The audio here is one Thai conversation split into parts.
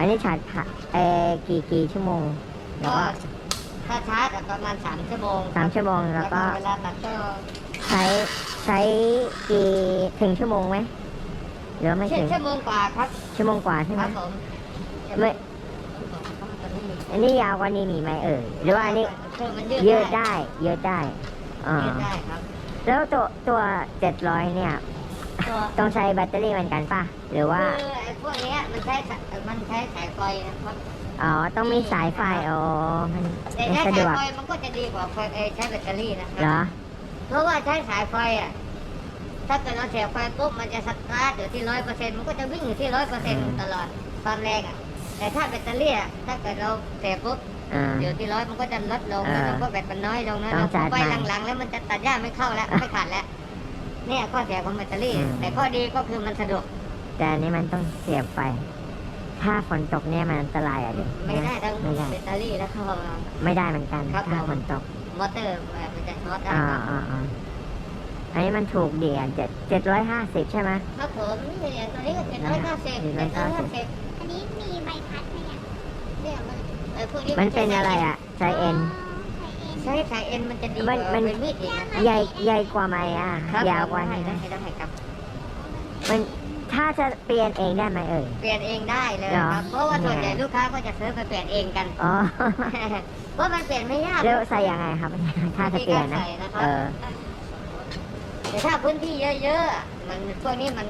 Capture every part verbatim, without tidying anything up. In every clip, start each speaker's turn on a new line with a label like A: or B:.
A: นนี้ชาร์จเอ่อกี่กี่ชั่วโมงแล้ว
B: ก็
A: ก็
B: ถ้าชาร์จประมาณสามชั่วโมง
A: สามชั่วโมงแล้วก็
B: เวลาตัดก็
A: ใช้ใช้กี่ถึงชั่วโมงไหมหรือไม่
B: เช่น
A: ถึง
B: ชั่วโมงกว่าครับ
A: ชั่วโมงกว่าใช่
B: ค
A: ไหม
B: รับผม
A: ไม่อันนี้ยาวกว่านี้มีไหมเอ่ยหรือว่าอันนี้
B: คือมัน
A: ยื
B: ยื
A: ด
B: ดได้
A: ได้ยืดได้อ่า
B: ยืดได้ครับ
A: แล้วตัวตัวเจ็ดร้อยเนี่ย
B: ตัว
A: ต้องใช้แบตเตอรี่เหมือนกันป่ะหรือว่า
B: คือไอ้พวกเนี้ยมันใช้สะมันใช้สายไฟนะครับ
A: อ๋อต้องมีสายไฟอ๋อมัน
B: แต่
A: ไม่
B: ใช้
A: สะด
B: สายว
A: ก
B: ไฟมันก็จะดีกว่าไฟเอ่อใช้แบตเตอรี่นะค
A: เหร
B: รับ
A: อ
B: เพราะว่าใช้สายไฟอ่ะถ้าเกิดเราเสียบไฟปุ๊บมันจะสตาร์ทอยู่ที่ร้อยเปอร์เซ็นต์มันก็จะวิ่งอยู่ที่ร้อยเปอร์เซ็นต์ตลอดความแรงอ่ะแต่ถ้าแบตเตอรี่อ่ะถ้าเกิดเราเสียบปุ๊บ
A: อ่า
B: อยู่ที่ร้อยมันก็จะลดลง
A: เออ
B: แล้วก็แบตมันน้อยลงนะ
A: ต้
B: เรา
A: องจัด
B: ไป
A: ใหม่
B: หลังๆแล้วมันจะตัดหญ้าไม่เข้าแล้วไม่ขาดแล้วเนี่ยข้อเสียของแบตเตอรี่
A: อืม
B: แต่ข้อดีก็คือมันสะดวก
A: แต่อันนี้มันต้องเสียบไฟ ถ้าฝนตกเนี่ยมันอันตรายอ่ะเด็ก
B: ไม่ได้ทั้ง
A: ไม่ได้
B: แบตเตอรี่แล้วก็
A: ไม่ได้เหมือนกัน
B: ครับ
A: ถ้า
B: ผม
A: ฝนตก
B: มอเตอร์มันจะช็อตได้
A: อ่า
B: ครับ
A: อ่าอ่าอันนี้มันถูกดีอ่ะเจ็ดเจ็ดร้อยห้าสิบใช่ไหม
B: ครับผมนี่เนี่ยตัวนี้ก็เจ็ดร้อยห้าสิบเจ็ดร้อยห้าสิบ
C: อันนี้มีใบพัดไหมอ่ะ
B: เนี่ยมันเออพวกนี้
A: มันเป็นอะไรอ่ะไซเอ็น
B: ใช้สายเอ็นมันจะดีก
A: มั
B: ว่าน
A: มัน
B: เป็นมีดอีกนะ
A: ใหญ่ใหญ่กว่าไหมอ่ะ
B: ครับ
A: ยาวกว่า
B: ได้
A: นี้
B: ได้
A: ไหม
B: ได้ครับ
A: มันถ้าจะเปลี่ยนเองได้ไหมเอ่ย
B: เปลี่ยนเองได้เลย
A: เหรอ
B: ครับ เพราะว่าส่วนใหญ่
A: เนี่ย
B: ลูกค้าก็จะซื้อไปเปลี่ยนเองกัน
A: อ๋อ
B: เพราะมันเปลี่ยนไม่ยาก
A: แล้วใส่ยังไงครับ ถ้าจะเปลี่ยนนะ
B: วิธีการใส่นะครับ
A: เออ
B: แต่ถ้าพื้นที่เยอะๆมันพวกนี้มัน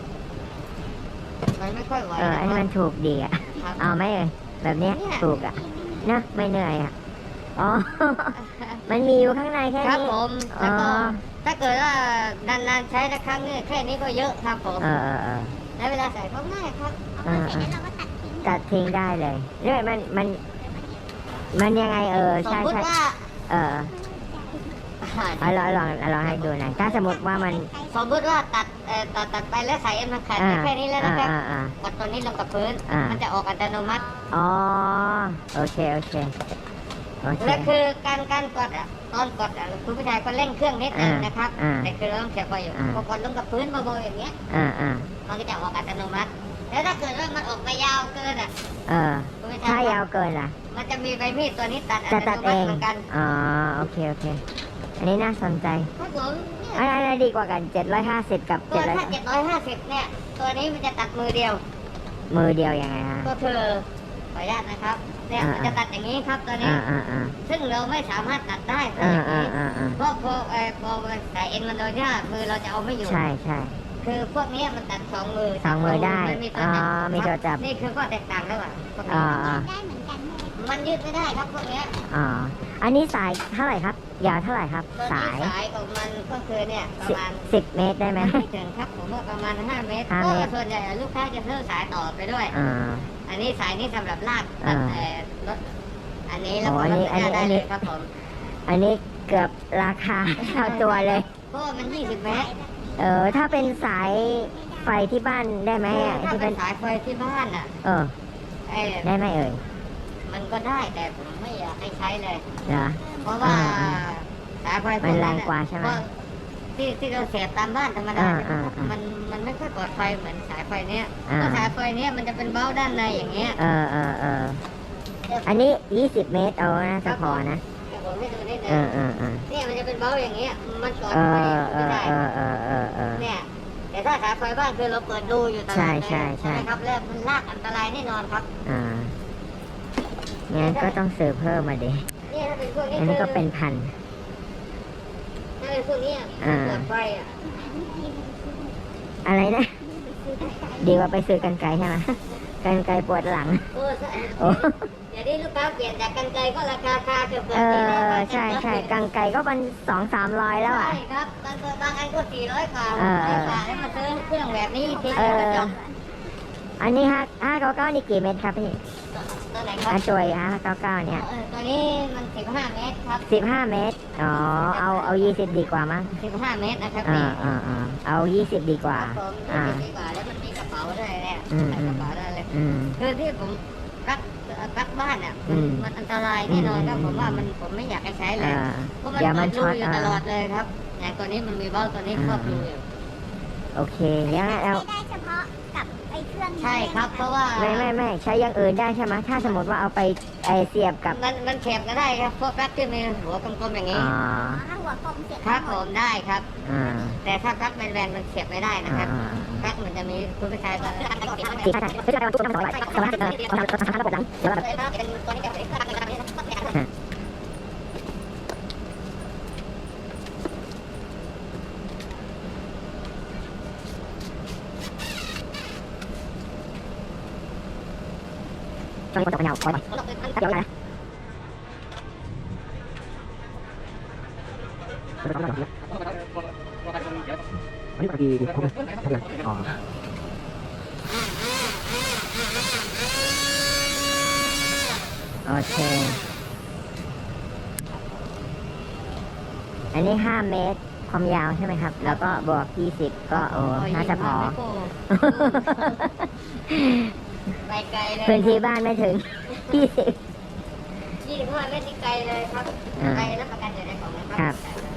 B: มันไม่ค่อยไหว
A: เออ อันนี้มันถูกดีอ่ะ
B: ครับ
A: เอาไหมเอ่ยแบบเนี้ย
B: เนี่ย
A: ถูกอ่ะนะไม่เหนื่อยอ่ะ อ๋อ มันมีอยู่ข้างในแค่
B: ครับ
A: นี้
B: ผมแล้วก็
A: อ๋อ
B: ถ้าเกิดว่านานๆใช้ละครั้งเนี่ยแค่นี้ก็เยอะครับผม
A: เออเออเออ
B: แล้วเวลาใส่ก็ง่ายครับ
C: เอามาเสร็จแล้วเราก็ตัดทิ้ง
A: ตัดทิ้งได้เลยเนี่ยมันมันมันยังไงเออ
B: สม
A: ใช่
B: มติ
A: ใช่
B: ว่า
A: เออเอาลองลองลองให้ดูหน่อยถ้าสมมติว่ามัน
B: สมมติว่าตัดเอ่อตัดตัดไปแล้วใส่เอ็นมันขาด
A: อ่า
B: แค่นี้แล้วนะครับ
A: อ่าอ่า
B: กดตัวนี้ลงกับพื้น
A: อ่ามั
B: มันจะออกอัตโนมัติ
A: อ๋อโอเคโอเคโอเค
B: และคือการการกดอ่ะตอนกดอ่ะคุณผู้ชายก็เร่งเครื่องนิดนึง
A: อ่าน
B: นะครับ
A: อ่า
B: แต่คือเราต้องเสียบไฟอยู่
A: อ่า
B: พอกดลงกับพื้นเบาๆอย่างเงี้ย
A: อ่าอ่า
B: มันก็จะออกอัตโนมัติ แล้วถ้าเกิดว่ามันออกไปยาวเกินอ่ะ
A: เออ
B: คุณผู้ช
A: ถ้ายาวเกินล่ะ
B: มันจะมีใบมีดตัวนี้ตัดอั
A: จะ
B: ต
A: ตัด
B: โน
A: เอ
B: มัติ
A: ง
B: เหมือนกัน
A: อ๋อโอเคโอเค อันนี้น่าสนใจ
B: ครับผมเนี่ย
A: อันไหนดีกว่ากันเจ็ดร้อยห้าสิบกับ
B: ตัว
A: เจ็ดร้อย
B: ถ้าเจ็ดร้อยห้าสิบเนี่ย ตัวนี้มันจะตัดมือเดียว
A: มือเดียวยังไงฮะ
B: ก็คือขออนุญาตนะครับ เนี่ย
A: อ่า
B: มันจะตัดอย่างนี้ครับตัวนี้
A: อ่าอ่าอ่า
B: ซึ่งเราไม่สามารถตัดได้เพราะ
A: อ่า
B: อย่าง
A: อ่า
B: นี้
A: อ่าอ่า
B: เพราะพอเอ่อพอสายเอ็นมันโดนหญ้ามือเราจะเอาไม่อยู่
A: ใช่ใช่
B: คือพวกเนี้ยมันตัดสองมือ
A: สองมือได้
B: ไม่มีตัว
A: อ๋อ
B: จับ
A: มีตัวจับ
B: นี่คือข้อแตกต่างระหว่างพวก
A: อ๋
B: นี้
A: ออ๋อ
C: ได้เหมือนกันใช่ไหม
B: มันยืดไม่ได้ครับพวกเนี้ย
A: อ๋ออันนี้สายเท่าไหร่ครับ ยาวเท่าไหร่ครับ
B: ตัว
A: สา
B: นี้
A: ย
B: สายของมันก็คือเนี่ยประ
A: สิบ
B: มาณ
A: สิบเมตรได้ไหม
B: ไม่ถึงครับผมว่าประมาณห้าเมตร
A: ห้า
B: ก็
A: เมตร
B: ส่วนใหญ่ลูกค้าจะซื้อสายต่อไปด้วย
A: อ่า
B: อันนี้สายนี้สำหรับลาก
A: อ่า
B: ตัดแต่รถอันนี้แล้ว
A: อ๋
B: ก็
A: ออัน
B: ร
A: นี้
B: ถจักรยาน
A: อั
B: ได้
A: นนี้
B: เลยครับผม
A: อันนี้เกือบราคา เท่าตัวเลย
B: เพราะว่ามันยี่สิบเมตร
A: เออ ถ้าเป็นสายไฟที่บ้านได้ไหมอ่ะ
B: ถ้า
A: ที่
B: เป็
A: เป็น น
B: สายไฟที่บ้านอ่ะ
A: เออ
B: เอ้ย
A: ได้ไหมเอ่ย
B: มันก็ได้แต่ผมไม่อยากให้ใช้เลย
A: เหรอ
B: เพราะว่า
A: อ่า
B: สายไฟพว
A: มันแร
B: อะ
A: งกว่าใช่ไหม
B: เพระที่ที่เราเสียบตามบ้านธรรมดา
A: อ่า
B: เนี่ย
A: อ่าอ่ามั
B: มันมันไม่ค่อยปลอดภัยเหมือนสายไฟเนี้ย
A: อ่า
B: เพราะสายไฟเนี้ยมันจะเป็นเบ้าด้านในอย่างเงี้ย
A: เออเออเอออันนี้ยี่สิบเมตรเอาน่าจะพอนะ
B: เดี๋ยวผมให้ดูนิดนึ
A: เอง อเออเออ
B: เนี่ยมันจะเป็นเบ้าอย่างเงี้ยมันปลอด
A: เอ
B: ภัย
A: อเอ
B: ไม่
A: อ
B: ได้
A: เออเออเออเออ
B: เนี่ยแต่ถ้าสายไฟบ้านคือเราเปิดดูอยู่ตลอด
A: ใช่
B: เลย
A: ใช่ใช่
B: ไหมครับแล้วมันลากอันตรายแน่นอนครับ
A: อ่างั้นก็ต้องซื้อเพิ่มมาดิ
B: เนี่ยถ้าเป็นพวกนี้
A: อันนี้ก็เป็นพัน
B: ถ้าเป็นพวกเนี้ย
A: อ่า
B: ปลอดภัยอ่ะ
A: อะไรนะ ดีกว่าไปซื้อกันไกลใช่ไหม กันไกลปวดหลัง
B: โอ้ใช่
A: โอ้
B: เดี๋ยวนี้ลูกค้าเปลี่ยนจากกันไกลก็ราคาคาเกือบเกื
A: เอ
B: อบสี่ร้อย
A: อ
B: บาท
A: ใช่ใช่กังไกลก็เป็นสองสามร้อยแล้วอ่ะ
B: ใช่ครับบางตัวบางอันก็สี่ร้อยกว่า
A: เออ
B: ร้อยกว่าแล้วมาซื้อเครื่องแบบนี้ที
A: เอ
B: เดียวก็
A: อ
B: จบ
A: อันนี้ห้าห้าเก้าเก้านี่กี่เมตรครับพี่
B: ตัวไหนครับ
A: อาจวยห้าเก้าเก้าเนี่ย
B: เออตัวนี้มันสิบห้าเมตรครับ
A: สิบห้าเมตร อ๋อ เอาเอายี่สิบดีกว่ามั้ง
B: สิบห้าเมตรนะครับ
A: อ่า
B: พี่
A: อ่าอ่าเอายี่สิบดีกว่า
B: ครับผม
A: อ่า
B: ยี่สิบดีกว่าแล้วมันมีกระเป๋าด้วยเนี่ย
A: อืม
B: ใส่กระเป๋าได้เลย
A: อืม
B: คือที่ผมรักรักบ้านอ่ะ
A: อืม
B: มันอันตรายแน่นอนครับ
A: อืม
B: ผมว่ามันผมไม่อยากให้ใช้เลย
A: อ่า
B: เพราะมัน
A: เดี๋ยวมัน
B: เปิดรู
A: ช็อต
B: อยู่
A: อ่า
B: ตลอดเลยครับอย่างตัวนี้มันมีเบ้าตัวนี้ครอบรูอยู่
A: โอเคงั้นเรา
C: ไม่ได้เฉพาะกับไอ้เครื่องนี้
B: ใช่ครับ เพราะว่า
A: ไม่ไม่ไม่ใช้อย่างอื่นได้ใช่ไหมถ้าสมมติว่าเอาไปไอเสียบกับ
B: มันมันเข็บก็ได้ครับพวกปลั๊กที่มีหัวกลมๆอย่างนี้
A: อ๋อ
C: อ๋อถ้าหัวกลมเสียบ
B: ครับ
C: ห
B: ผม มได้ครับ
A: อ่า
B: แต่ถ้าปลั๊กแบนๆมันเข็บไม่ได้นะครับ
A: อ่า
B: ปลั๊กมันจะมีคุณผู้ชายก็
A: สี่ใช่ใช่ไม่ใช่การตู้น้ำสองร้อยสองร้อยห้าสิบเออเราทำทำระบบหลังเดี๋ยวเราแบบ
B: เป็นตัวนี้จะเป็นเครื่องทำนี้
A: ช่วงนี้คนตกเป็นเงาคอยก่อนถ้าเดี๋ยวนะอันนี้ปกติครบเลยครบเลยอ๋อโอเคอันนี้ห้าเมตรความยาวใช่ไหมครับ แล้วก็บวกยี่สิบก็โอ้น่าจะพอ
B: ไปไกลเลย
A: พื้นที่บ้านไม่ถึง ยี่สิบ
B: ยี่สิบห้าเมตรนี่ไกลเลยครับ
A: อ่า
B: ไปรับประกันอยู่ในกล่องนะค
A: ครั
B: รับ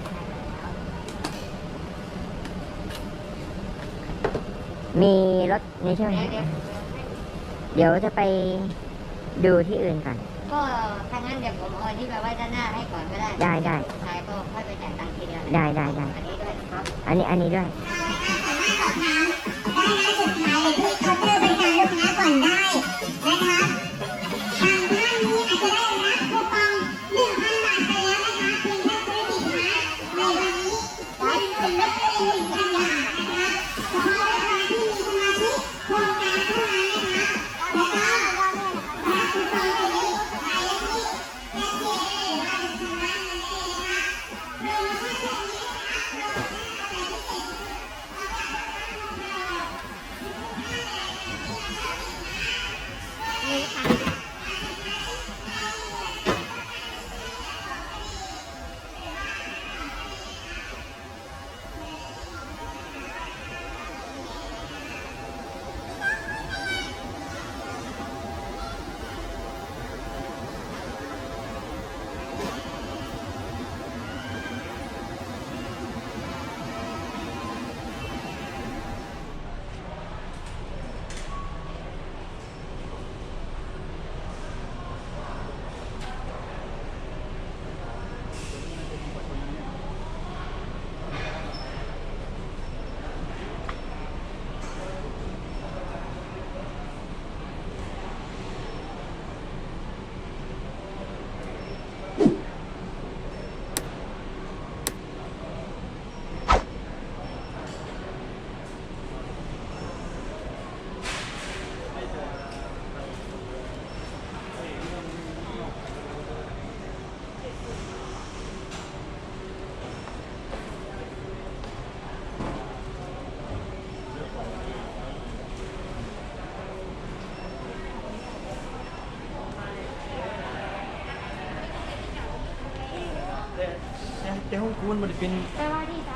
A: มีรถนี่ใช่ไหม
B: เดี๋ยวเดี๋ยว
A: เดี๋ยวจะไปดูที่อื่นก่อน
B: ก็ถ้างั้นเดี๋ยวผมเอาอันนี้ไปไว้ด้านหน้าให้ก่อนก็ได้
A: ได้ได้
B: ท้ายก็ค่อยไปจ่ายตังค์ทีเดียว
A: ได้ได้ได้
B: อันนี้ด้วยครับ
A: อันนี้อันนี้ด้วย
C: เคาน์เตอร์บริการลูกค้าก่อนได้นะคะทางท่านนี้อาจจะได้รับคูปองหนึ่งพันบาทไปแล้วนะคะเพียงแค่ซื้อสินค้าในวันนี้ได้เป็นลดเพียงหนึ่งพันบาทนะคะเฉพาะลูกค้าที่มีสมาชิกโครงการเท่านั้นนะคะแล้วก็รับคูปองตัวนี้ไปที่แอปพลิเคชันหรือว่าจะชำระเงินได้เลยนะคะโดยเฉพาะช่วงนี้นะคะเราจะพิเศษ นี่ค่ะ
D: แต่ห้องคูณมันเป็น
C: แต่ว่าที่